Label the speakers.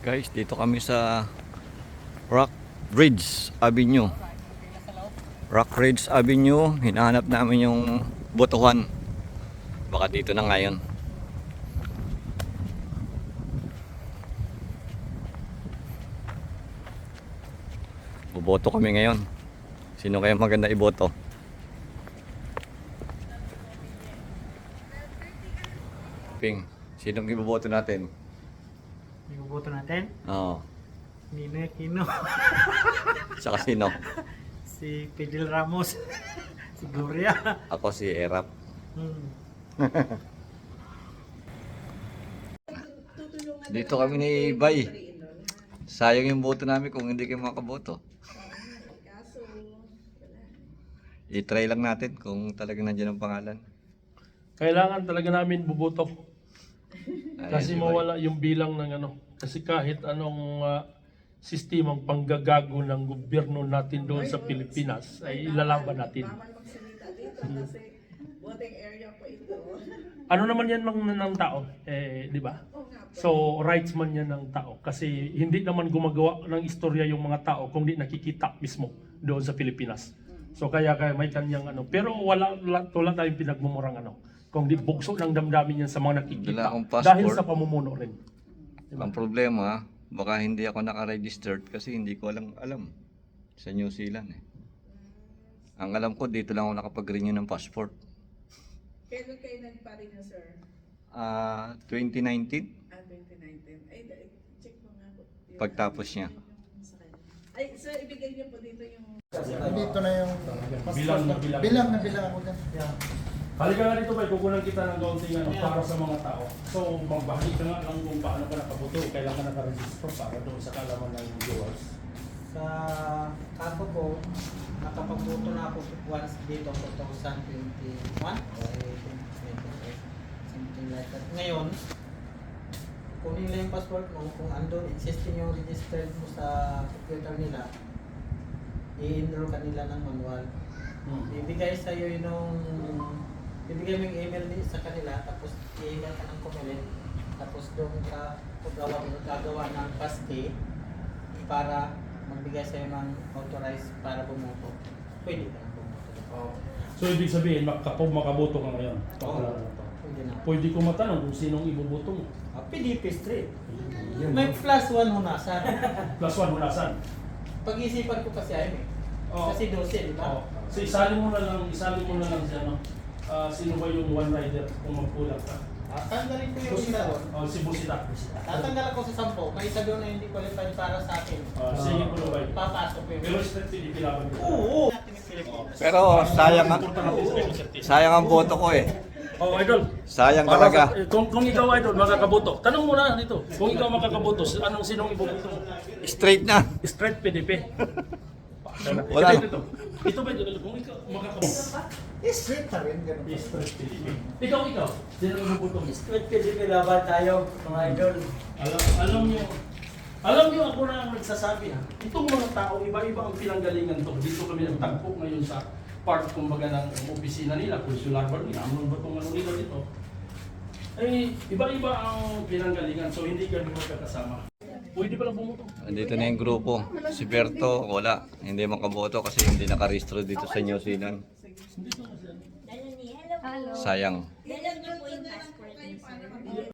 Speaker 1: Guys, dito kami sa Rockridge Avenue. Rockridge Avenue, hinahanap namin yung botohan. Baka dito na ngayon. Boboto kami ngayon. Sino kaya maganda iboto? Ping, sinong iboboto natin?
Speaker 2: Iboboto natin?
Speaker 1: Oo.
Speaker 2: Ninoy Aquino.
Speaker 1: Saka sino?
Speaker 2: Si Fidel Ramos. Si Gloria.
Speaker 1: Ako si Erap. Dito kami ni Bay. Sayang yung boto namin kung hindi kayo makaboto. I-try lang natin kung talagang nandiyan ang pangalan.
Speaker 3: Kailangan talaga namin buboto. Kasi
Speaker 1: si Bay.
Speaker 3: mawala yung bilang ng ano. Kasi kahit anong sistemang panggagago ng gobyerno natin doon sa Pilipinas ay ilalaban natin. Ano naman yan ng tao, di ba? So rights man yan ng tao kasi hindi naman gumagawa ng istorya yung mga tao kung di nakikita mismo doon sa Pilipinas. So kaya may kanyang ano, pero wala tayong pinagmumurang ano. Kung di bugso ng damdamin yan sa mga nakikita dahil sa pamumuno rin.
Speaker 1: Diba? Ang problema, baka hindi ako naka-registered kasi hindi ko alam sa New Zealand eh. Ang alam ko dito lang ako nakapag-renew ng passport.
Speaker 4: Kailan kayo nagpa-renew, sir?
Speaker 1: 2019
Speaker 4: 2019. Ay, check mo nga po.
Speaker 1: pagtapos niya.
Speaker 4: Ay, sir, ibigay niyo po dito yung...
Speaker 2: Dito na yung
Speaker 3: Bilang na bilang.
Speaker 2: bilang na bilang ako dyan. Yeah.
Speaker 3: Halika nga dito, Bay, kukunan kita ng kaunting ano, para sa mga tao. So, magbahagi ka nga lang kung paano ka nakaboto, kailan ka nakaregister para doon sa kalaman ng viewers.
Speaker 5: Sa ako po, nakapagboto na ako once dito 2021 or 2020, something like that. Ngayon, kunin nila yung passport mo, kung andun existing yung registered mo sa computer nila, i-enroll ka nila ng manual. Ibigay sa iyo ibigay mo yung email din sa kanila, tapos i-email ka ng comment, tapos doon ka gagawa ng paste para magbigay sa'yo ng authorized para bumoto. Pwede ka na bumoto.
Speaker 3: So, ibig sabihin, makaboto ka ngayon.
Speaker 5: Oo. Pwede na.
Speaker 3: Pwede ko matanong kung sinong iboboto mo.
Speaker 5: PDP straight. May plus one hunasan.
Speaker 3: Plus one, hunasan.
Speaker 5: Pag-isipan ko kasi ay eh.
Speaker 3: Oo.
Speaker 5: Kasi 12, di ba?
Speaker 3: Oo. So, isalin mo na lang si ano. Sino ba yung one rider kung magkulang ka?
Speaker 5: Tanggalin ko yung isa doon.
Speaker 3: Si Busita.
Speaker 5: Tatanggal ako sa 10. May isa doon na hindi qualified para sa akin.
Speaker 3: Sige po ba?
Speaker 5: Papasok ko yung...
Speaker 3: Pero straight PDP laban ko.
Speaker 5: Oo! Natin yung Pilipinas.
Speaker 1: Pero sayang ang boto ko eh.
Speaker 3: Oh, idol.
Speaker 1: Sayang talaga.
Speaker 3: Kung ikaw, idol, makakaboto. Tanong mo na dito. Kung ikaw makakaboto, sinong iboboto mo?
Speaker 1: Straight na.
Speaker 3: Straight PDP.
Speaker 1: Wala.
Speaker 3: Ito ba, kung ikaw makakaboto?
Speaker 2: Straight pa rin, ganun.
Speaker 3: Straight PDP. Ikaw, sinong iboboto mo?
Speaker 5: Straight PDP laban tayo, mga idol.
Speaker 3: Alam niyo ako na ang nagsasabi ha. Itong mga tao, iba-iba ang pinanggalingan to. Dito kami nagtagpo ngayon sa part kumbaga ng opisina nila, consular bar nila, ano ba itong ano nila dito? Eh, iba-iba ang pinanggalingan, so hindi kami magkakasama. Pwede pa lang bumuto.
Speaker 1: Andito na yung grupo. Si Berto, wala. Hindi makaboto kasi hindi nakarehistro dito sa New Zealand.
Speaker 3: Hindi ko kasi.
Speaker 6: Hello.
Speaker 1: Sayang.
Speaker 6: Dala niyo po yung passport niyo, sir.